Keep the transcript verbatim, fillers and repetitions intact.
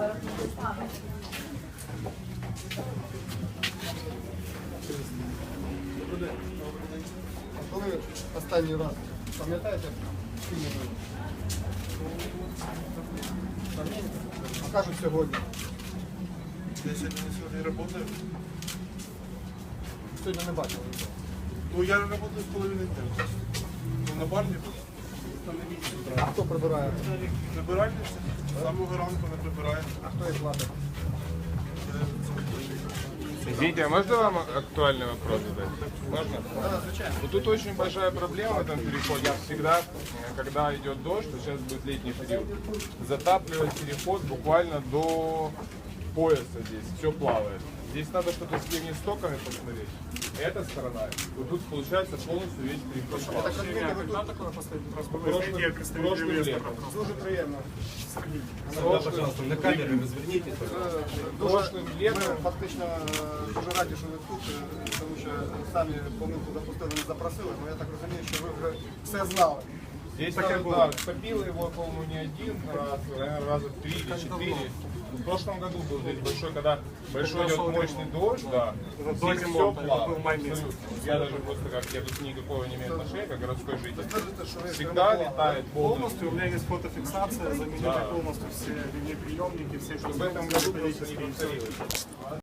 Коли останній раз, пам'ятаєте, скільки? А кажуть сьогодні. Я сьогодні не сьогодні працюю. Сьогодні не бачили. Ну я працюю з половини дня. Ну, на барні. А хто прибирає? Прибиральниця. З самого ранку не прибирає. А хто їх платить? Извините, а можно вам актуальный вопрос задать? Можно? Да, звичайно. Вот тут очень большая проблема в этом переходе. Всегда, когда идет дождь, то сейчас будет летний период, затапливать переход буквально до пояса здесь. Все плавает. Здесь надо что-то с теми стоками посмотреть. Эта сторона, вот тут получается полностью весь переход Я плавает. так розумію, ви тут такое последній раз були? Прошлым, прошлым летом. Дуже приємно. Прошлым, На камеру ви зверніть. Дуже, прошлым ми летом. фактично е, дуже раді, що ви тут, е, тому що самі помилку допустили, не запросили, але я так розумію, що ви вже все знали. Здесь надо, да, топило его, по-моему, не один раз, наверное, раза три или четыре. В прошлом году был здесь большой, когда большой идет мощный дождь, да, здесь все плавает. Я даже просто как, я тут никакого не имею отношения, как городской житель. Скажете, що ви Всегда летает полностью. Полностью, у меня есть фотофиксация, заменили Да. полностью все линейные приемники, все, что В этом году просто не повторилось.